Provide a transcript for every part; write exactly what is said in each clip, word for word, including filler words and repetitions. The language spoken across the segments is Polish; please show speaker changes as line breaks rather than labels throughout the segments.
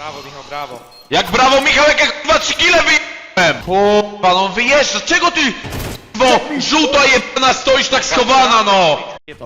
Brawo, Michał, brawo.
Jak brawo, Michał, jak ja kurwa trzy kile wyjebałem! Kurwa, no wyjeżdża, czego ty bo żółta jebana stoisz tak schowana, no!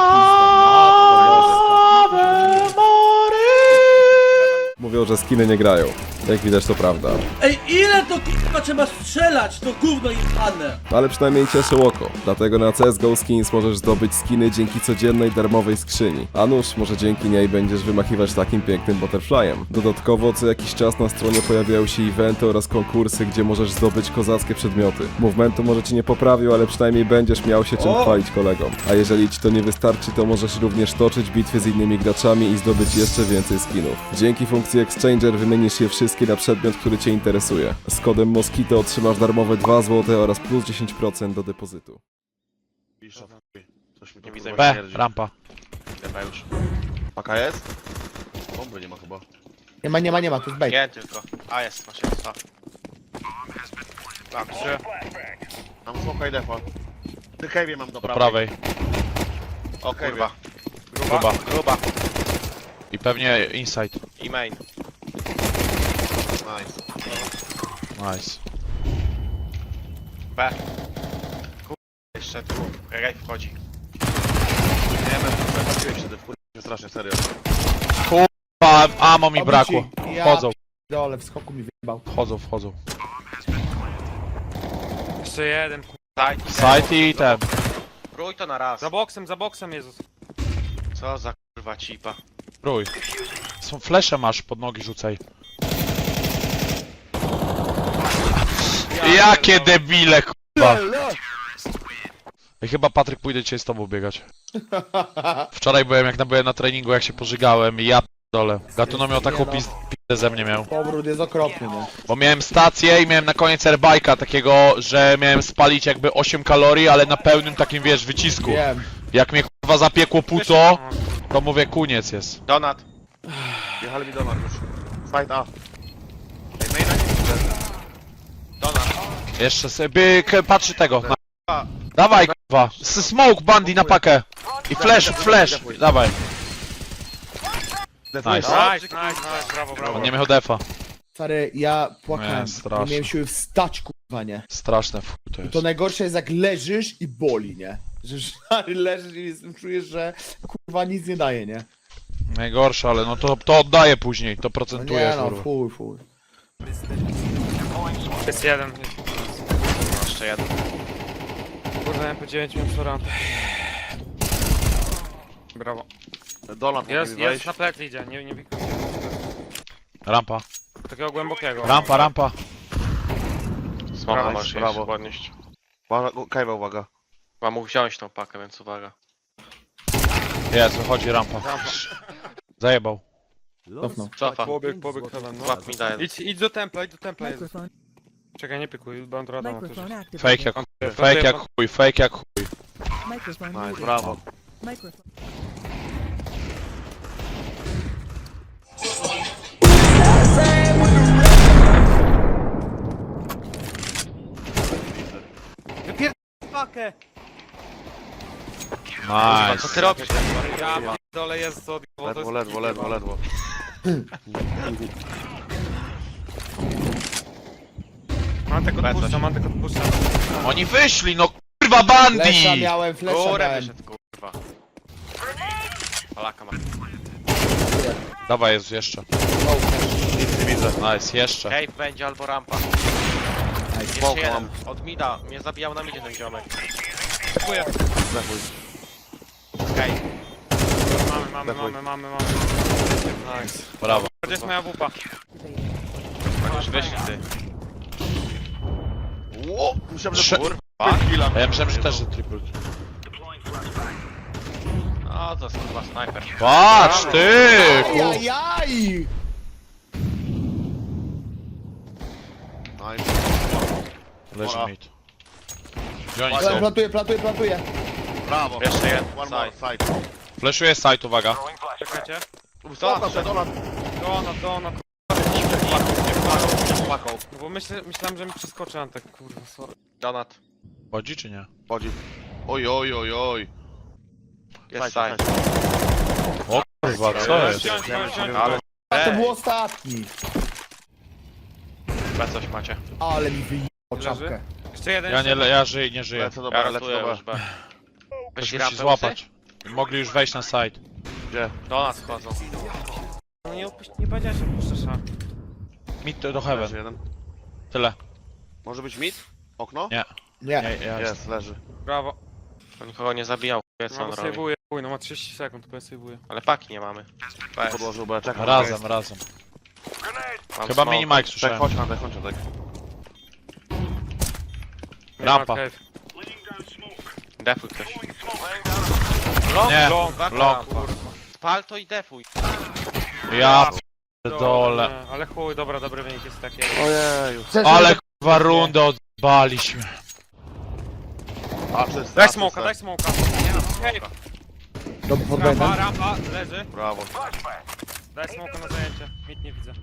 Mówią, że skiny nie grają. Jak widać, to prawda.
Ej, ile to k***a trzeba strzelać, to gówno jebane!
Ale przynajmniej cieszy oko. Dlatego na C S G O Skins możesz zdobyć skiny dzięki codziennej darmowej skrzyni. A nuż, może dzięki niej będziesz wymachiwać takim pięknym butterflyem. Dodatkowo co jakiś czas na stronie pojawiają się eventy oraz konkursy, gdzie możesz zdobyć kozackie przedmioty. Movementu może ci nie poprawił, ale przynajmniej będziesz miał się czym chwalić kolegom. A jeżeli ci to nie wystarczy, to możesz również toczyć bitwy z innymi graczami i zdobyć jeszcze więcej skinów. Dzięki funkcji Exchanger wymienisz je wszystkie na przedmiot, który cię interesuje. Z kodem Moskito otrzymasz darmowe dwa złote oraz plus dziesięć procent do depozytu.
Coś mi nie widzę.
B, rampa.
Chyba już. Paka jest? Bomby nie ma chyba.
Nie ma, nie ma, nie ma, to jest bait.
Nie, tylko. A jest, masz jest. A.
Tak, trzy.
Mam smoka i defa. Ty Kejwie mam do
Do
prawej.
prawej.
O kurwa.
Gruba.
Gruba.
I pewnie inside.
I main. Nice.
Nice.
B. Kurwa, jeszcze tu. Rej wchodzi. Nie wiem, zapatrzyłem się wtedy, w kurwa, strasznie, serio.
Pa, amo mi
Oby
brakło.
ci- ja
Wchodzą,
Dole, w skoku mi wyjebał.
wchodzą, wchodzą.
Jeszcze jeden.
Side.
Side i ten.
Rój to na raz.
Za boksem, za boksem, Jezus.
Co za kurwa cipa.
Rój. Są flesze masz, pod nogi rzucaj. Jakie debile, kurwa. I chyba Patryk pójdę dzisiaj z tobą biegać. Wczoraj byłem, jak byłem na treningu, jak się pożygałem i ja dole. Gatuno miał taką pizdę ze mnie miał.
Powrót jest okropny, nie?
Bo miałem stację i miałem na koniec airbike'a takiego, że miałem spalić jakby osiem kalorii, ale na pełnym takim, wiesz, wycisku.
Wiem.
Jak mnie kurwa zapiekło puto, to mówię, koniec jest.
Donat. Jechali mi donat już. Side A. Ej, maina nie widzę. Donat.
Jeszcze sobie k- patrzy tego. Na...
A.
Dawaj kurwa. S- Smoke bandy na pakę. I flash, flash. Dawaj. Nice.
Nice, nice, nice, brawo, brawo.
On nie miał defa.
Stary, ja płakałem.
Nie, straszne.
Nie miałem siły wstać, kurwa, nie?
Straszne w chuj to
I
jest.
to najgorsze jest jak leżysz i boli, nie? Że stary leżysz i jest- czujesz, że kurwa nic nie daje, nie?
Najgorsze, ale no to, to oddaje później, to
No
procentuje
nie no,
kurwa.
fuj, fuj.
Jest jeden.
Jeszcze jeden.
Kurde, M P dziewięć miałem szorantę. Brawo.
Donat
Jest,
mógł mi
jest,
wejść.
na plecy idzie, nie, nie pikuj.
Rampa.
Takiego głębokiego.
Rampa, rampa.
Smoka
Brawo,
masz brawo. podnieść. Uwaga, Kajwa, uwaga. Chyba mógł wziąć tą pakę, więc uwaga.
Jest, wychodzi rampa. Zajebał.
Cofnął.
Cofa.
Pobieg, pobieg, heaven, no.
Łap mi daje.
Idź, idź do templa, idź do templa. Jezus.
Microphone,
Czekaj, nie pikuj, będę radą na
microphone activated.
Fake jak chuj, fake jak chuj, fake jak chuj.
Microphone
Nice,
muted.
brawo.
Microphone.
Pakę!
Nice.
Co ty robisz?
Ja dole jest co odjechał, to
Ledwo,
jest...
ledwo, ledwo, ledwo.
Mam tylko odpuszczam, mam tylko odpuszczam.
Oni wyszli, no kurwa bandy!
Flesza miałem, flesza
Górę
miałem.
wyszedł, kurwa. Palaka ma.
Dawaj, jest jeszcze.
Nic nie widzę.
Nice, jeszcze.
Cave będzie albo rampa. Jeszcze Smoke jeden. mam. Od mida. Mnie zabijał na midzie ten ziomek.
Dziękuję.
Zachuj. Cave.
Mamy, mamy, mamy, mamy, mamy.
Nice.
Brawo.
Gdzie jest moja wupa?
Chociaż wyszli ty. Ło! Musiałem,
Trzy-
że kurwa. Chwila.
A ja myślałem, że też jest triple.
No to jest kurwa snajper.
Patrz ty! kurwa.
Ajajaj!
Nice.
Leży mid. Gdzie oni
Pla-
są?
Plantuję, plantuję, plantuję.
Brawo. Jeszcze jeden. One more side.
Flashuje side, uwaga.
Czekajcie.
Donat, szedł, donat.
Donat, donat.
Płaką.
No bo myślę, myślałem, że mi przeskoczy Antek, kurwa, sorry.
Donat.
Chodzi czy nie?
Chodzi. Oj, oj, oj, oj. Jest side.
O kurwa, co jest?
Wziąć, wziąć, wziąć.
Ale...
A to był ostatni.
B coś macie.
Ale mi wyjebał
Leży?
czapkę.
Jeszcze jeden.
Ja nie, le- ja żyję, nie żyję.
Lecę do B, lecę
Garantuję
do
już
B.
B.
Ktoś
Weź
musi
rampę
złapać. Mogli już wejść na side.
Gdzie?
Do nas wchodzą.
No nie, opuść, nie powiedziałeś, że puszczasz A.
Mid to do
Leży
heaven.
jeden.
Tyle.
Może być mid? Okno?
Nie.
Nie.
Nie, ja
Jest, leży.
Brawo.
On nikogo nie zabijał, wie co
No
on
bo
robi.
sejwuję, chuj, no ma trzydzieści sekund, to ja sejwuję.
Ale paki nie mamy. B.
Podłożył B, czekam.
Razem, razem.
Mam
Chyba
smoke.
mini Mike
Tak,
słyszałem.
chodź na dek, chodź na dek.
Rampa.
Defuj ktoś.
Long,
Nie,
long,
long.
kurwa.
Spal to i defuj.
Ja dole.
Nie, ale chuj, dobra, dobry wynik jest taki.
Ojeju.
Ale kurwa rundę odbaliśmy.
A, czysto.
Daj
a,
smoka,
czysto.
daj smoka. Hej,
Do, pod
rampa,
błędem.
rampa, leży.
Brawo.
Daj smoka na zajęcie. Nic nie widzę.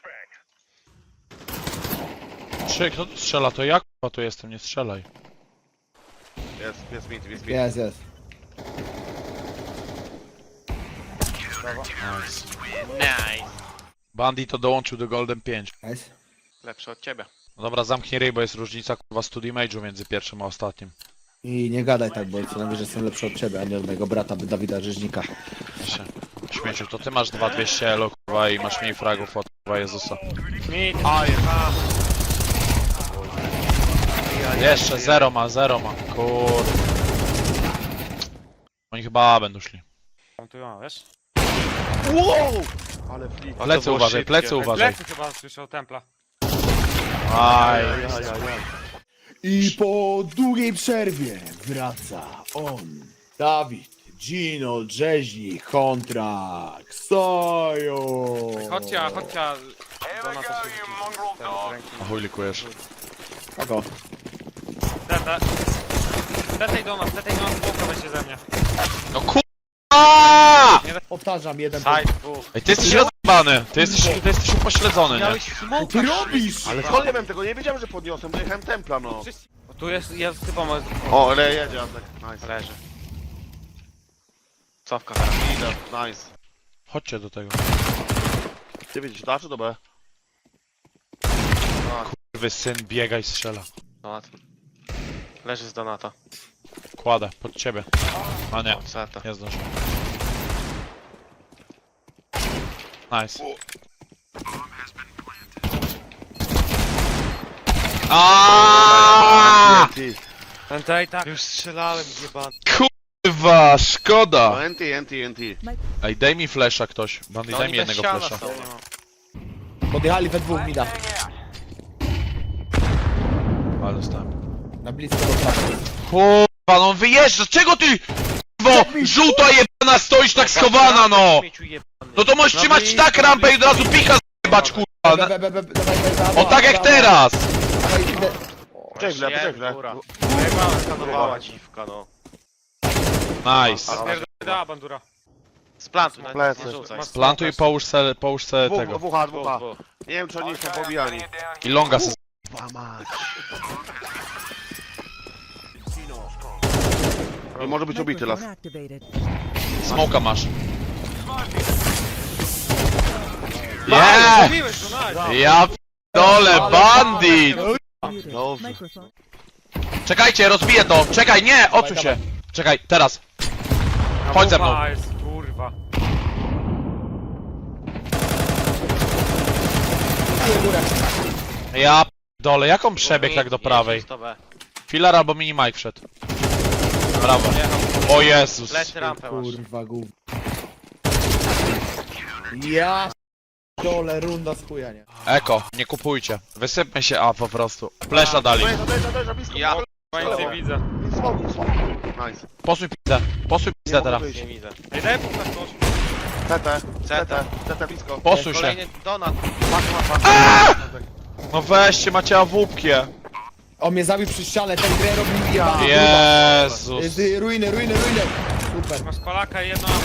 Czy kto tu strzela? To ja kurwa tu jestem, nie strzelaj.
Jest, jest mid, jest mid.
Jest, jest.
Nice.
Nice.
Bandit to dołączył do Golden pięć.
Nice.
Lepszy od ciebie.
No dobra, zamknij ryj, bo jest różnica kurwa study mage'u między pierwszym a ostatnim.
I nie gadaj tak, bo co najwyżej jestem lepszy od ciebie, a nie od mojego brata Dawida Rzeźnika.
Się. Śmieciu, to ty masz dwa dwieście elo kurwa i masz mniej fragów od kurwa Jezusa.
Mid.
Jeszcze zero ma, zero ma. Kurde. Oni chyba A będą szli.
Tam tu ma, wiesz?
Wow! Ale flip.
Plecy
było
uważaj,
szybkie.
plecy uważaj.
Plecy chyba słyszał templa.
Aj.
I po długiej przerwie wraca on. Dawid, Gino, Rzeźnik, Kontrakt, Soju.
Chodźcie, a chodźcie. a Do nas też rzuci ten z ręki.
A chuj likujesz.
Tako.
Tetę. Tetej do nas, tetej do nas, smoka weźcie ze mnie.
No kurwa!
Powtarzam, jeden
Side dwóch.
Ej, ty jesteś rozbany, ty jesteś, ty jesteś upośledzony, nie?
Miałeś
Co
smoke.
ty robisz?
Ale skąd nie wiem tego, nie wiedziałem, że podniosłem, bo jechałem templa, no.
Wszyscy- O, tu jest, jest typa ma...
O, ale jedzie, Antek. Nice.
Leży. Cofka.
Idę, nice.
Chodźcie do tego.
Ty widzisz, da czy do B?
Kurwy syn biega i strzela.
Donat. Leży z Donata.
Kładę, pod ciebie. A nie,
O, Zeta.
nie zdążę. Nice. Aaaa!
Ty.
Tetej, tak.
Już strzelałem, jebany.
Kurwa,
No,
szkoda!
N T, N T, N T.
Ej, daj mi flesza ktoś. Bandy,
No
daj
oni
mi
bez
jednego
ściana
flesza.
są.
Podjechali we dwóch, mida.
Ale dostałem.
Na blisko do prawej.
Kurwa, no wyjeżdża, czego ty? Kurwo, żółta jebana stoisz tak schowana, no!
Śmieciu jebany.
No to możesz
No
trzymać
i-
tak rampę i od razu pika zjebać, kurwa!
Be,
Na-
be, be, be, dawaj, dawaj, dawaj,
O tak jak
dawaj,
teraz!
dawaj, idę.
Poczekaj chwilę, poczekaj chwilę.
Góra. Jebana skanowała dziwka, no.
Nice.
Da, bandura.
Splantuj, na
Plecy.
nie rzucaj.
Masz-
Plantuj i połóż se, połóż se
Dwóch,
tego.
dwóch, A,
Dwóch,
dwóch, A.
dwóch.
Nie wiem, czy oni są pobijani.
I longa se...
Dwa mać. Nie może być ubity las.
Microphone activated.
Smoka masz. Yeah!
Zabiłeś go, nice.
Ja dole, bandit!
Muted.
Dobrze.
Microphone.
Czekajcie, rozbiję to! Czekaj, nie! Odsuń się! Czekaj, teraz! Chodź ze mną!
A, jest, kurwa.
Ja dole, jak on przebiegł tak do prawej?
Jedź to B.
Filar albo mini Mike wszedł. Brawo. O Jezus.
Leć rampę masz.
Kurwa, gów. Ja dole, runda z chuja, nie?
Eko, nie kupujcie. Wysypmy się A po prostu. Flesza dali.
Dojeżdża, dojeżdża, dojeżdża, blisko.
Ja
Chyba nic nie widzę.
Smoku, smoku. Nice.
Posuń pizzę. Posuń pizzę teraz.
wyjść.
nie widzę.
Ej, daj punkt na ktoś.
C T, C
C
T,
T.
C T blisko.
Posuń się.
Kolejny Donat.
No weźcie, macie awupkie.
On mnie zabił przy ścianę, ten grę robił ja.
Jezus.
Jest y, ruiny, ruiny, ruiny. Super.
Masz palaka i jedno...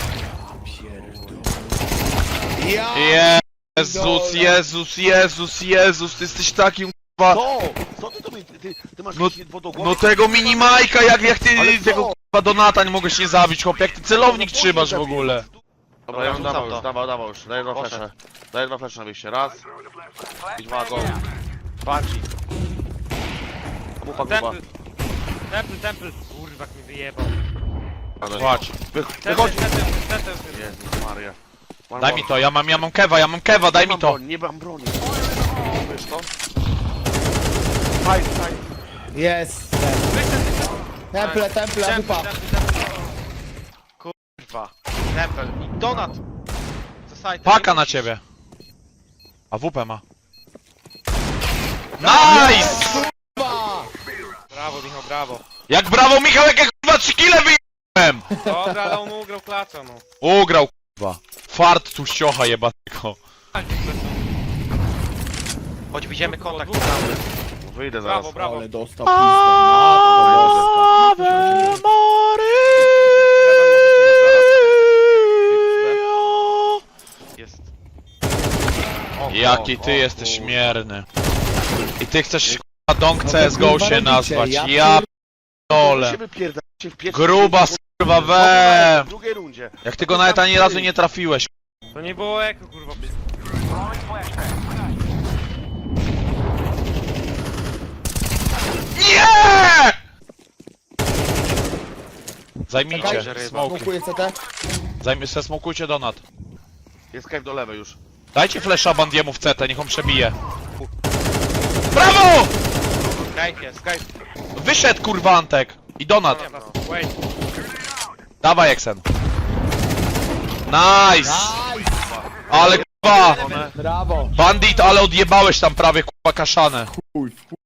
Ja.
Jezus, Jezus, Jezus, Jezus, ty jesteś takim k***a.
Co? Co ty to mi, ty, ty, ty masz
No-
jakieś wodogłowy?
No tego mini Majka, jak, jak ty
Ale co?
tego k***a Donata nie mogłeś nie zabić, chłop, jak ty celownik trzymasz w ogóle.
Dobra, ja bym
Rzucam
dawał
to.
już, dawał, dawał już. Daję dwa
Poszedł.
flesze. Daję dwa flesze na wyjście. Raz. I dwa, go. Banshee. Mucha gruba.
Temple. Temple, temple. Kurwa, jak mi wyjebał.
Płacz.
Wy,
Temple,
wychodzi.
temple, temple.
Jezus Maria. One
Daj
more.
mi to, ja mam, ja mam kewa, ja mam kewa, daj
Nie
mi
mam
to.
broni, nie mam broni. Wiesz to? Fajnie, fajnie.
Jest. Temple, temple,
Temple,
wypa.
temple, temple.
Kurwa. Temple. I donat. Zasaj,
Paka na ciebie. A W P ma. Nice!
Brawo, Michał, brawo.
Jak brawo Michał, jak ja kurwa trzy kile wyjebałem!
Dobra, ale on ugrał klacza, no.
Ugrał kurwa. Fart tu ściocha jebatego.
Chodź, widzimy kontakt.
No wyjdę zaraz.
Brawo, brawo.
Ale dostał pizdę. Matko boska.
Jest.
O,
Jaki
o,
ty
o,
jesteś
kurwa.
śmierny. I ty chcesz kurwa Dong
No to
C S G O
kurwa
się
robicie,
nazwać.
ja
Ja
Wy
dole.
się wypierdalacie w pierwszej
Gruba
rundzie,
kurwa
w
we.
drugiej rundzie.
Jak ty go nawet ani razu nie trafiłeś.
To nie było eko, kurwa.
Nie! Zajmijcie,
Czekaj,
smoki.
smokuję C T.
Zajmij se, smokujcie donat.
Jest cave do lewej już.
Dajcie flesza Bandiemu w C T, niech on przebije. Brawo!
Skype jest, Skype.
Wyszedł kurwa Antek. I donat.
Wait.
Dawaj Exen. Nice! Ale kurwa!
Brawo.
Bandit, ale odjebałeś tam prawie kurwa kaszanę.
Chuj, w chuj.